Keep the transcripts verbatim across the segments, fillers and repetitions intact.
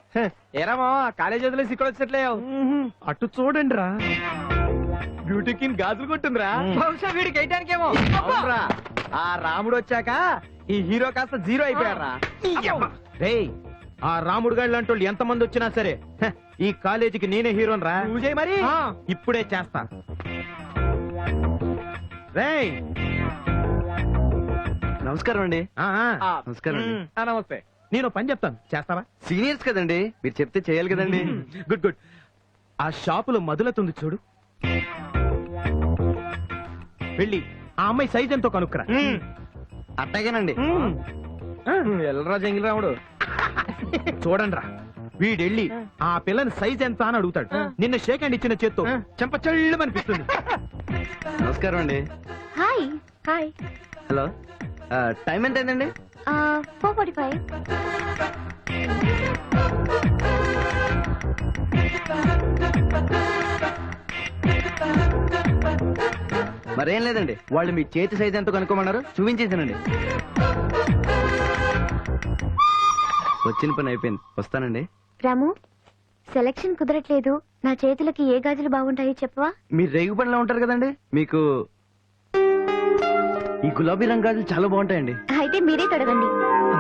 ఏరామా college వదిలేసి ఇక్కడ వచ్చినట్లే అటు చూడండి రా. బ్యూటీ కింగ్ గాజులు కొట్టుందిరా బహుశా వీడికి వేయటానికేమో అవునురా. ఆ రాముడు వచ్చాక ఈ హీరో కాస్త జీరో అయిపోయారా. రేయ్, ఆ రాముడు గాళ్ళు అంటూ ఎంత మంది వచ్చినా సరే హ, ఈ కాలేజీకి నేనే హీరోన్ రా. నువ్వు చేయి మరి. ఆ, ఇప్పుడే చేస్తా. రేయ్, నమస్కారం అండి. ఆ, ఆ, ఆ, నమస్కారం అండి. ఉమ్, ఆ, నమస్తే. నేను ఓ పని చెప్తాను, చేస్తావా? సీనియర్స్ కదండి, మీరు చెప్తే చేయాలి కదండి. Good good. ఆ షాపులో మధులతుంది చూడు, వెళ్ళి ఆ అమ్మాయి సైజ్ ఎంతో కనుక్కురా. అట్టాగేనండి. ఎల్లరా జంగిల్ రాముడు. చూడండి రా, వీడెళ్ళి ఆ పిల్లని సైజ్ ఎంత అని అడుగుతాడు. నిన్న షేక్ హ్యాండ్ ఇచ్చిన చేత్తో చెంప చెల్లమనిపిస్తుంది. నమస్కారం అండి. హాయ్ హాయ్ హలో, టైం ఎంత అయిందండి? Four forty five. మరేం లేదండి, వాళ్ళు మీ చేతి సైజ్ ఎంతో కనుక్కోమన్నారు, చూపించేసానండి. వచ్చిన పని అయిపోయింది, వస్తానండి. రాము, సెలక్షన్ కుదరట్లేదు. నా చేతులకి ఏ గాజులు బాగుంటాయో చెప్పవా? మీరు రేగు పనిలో ఉంటారు కదండి, మీకు ఈ గులాబీ రంగు గాజులు చాలా బాగుంటాయండి. అయితే మీరే తొడగండి.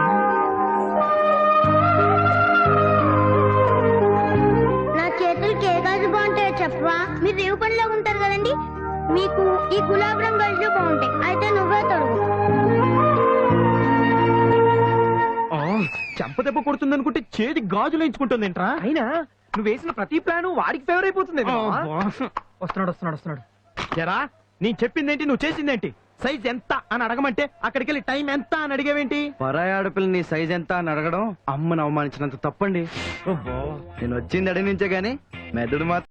నా చేతులకి ఏ గాజు బాగుంటాయో చెప్పవా? మీరు రేవు పనిలో ఉంటారు కదండి, మీకు ఈ గులాబీ రంగు గాజులు బాగుంటాయి. అయితే నువ్వే తొడుగు. చెంప దెబ్బ కొడుతుంది అనుకుంటే చేతి గాజులు ఎంచుకుంటుంది ఏంట్రా? అయినా నువ్వు వేసిన ప్రతి ప్లాన్ వాడికి ఫేవర్ అయిపోతుంది. వస్తున్నాడు వస్తున్నాడు వస్తున్నాడు. జరా, నేను చెప్పిందేంటి, నువ్వు చేసిందేంటి? సైజ్ ఎంత అని అడగమంటే అక్కడికి వెళ్ళి టైం ఎంత అని అడిగేవేంటి? పరాయి ఆడపిల్ల నీ సైజ్ ఎంత అని అడగడం అమ్మను అవమానించినంత తప్పండి. నేను వచ్చింది అడిగి నుంచే గానీ మెదడు మాత్రం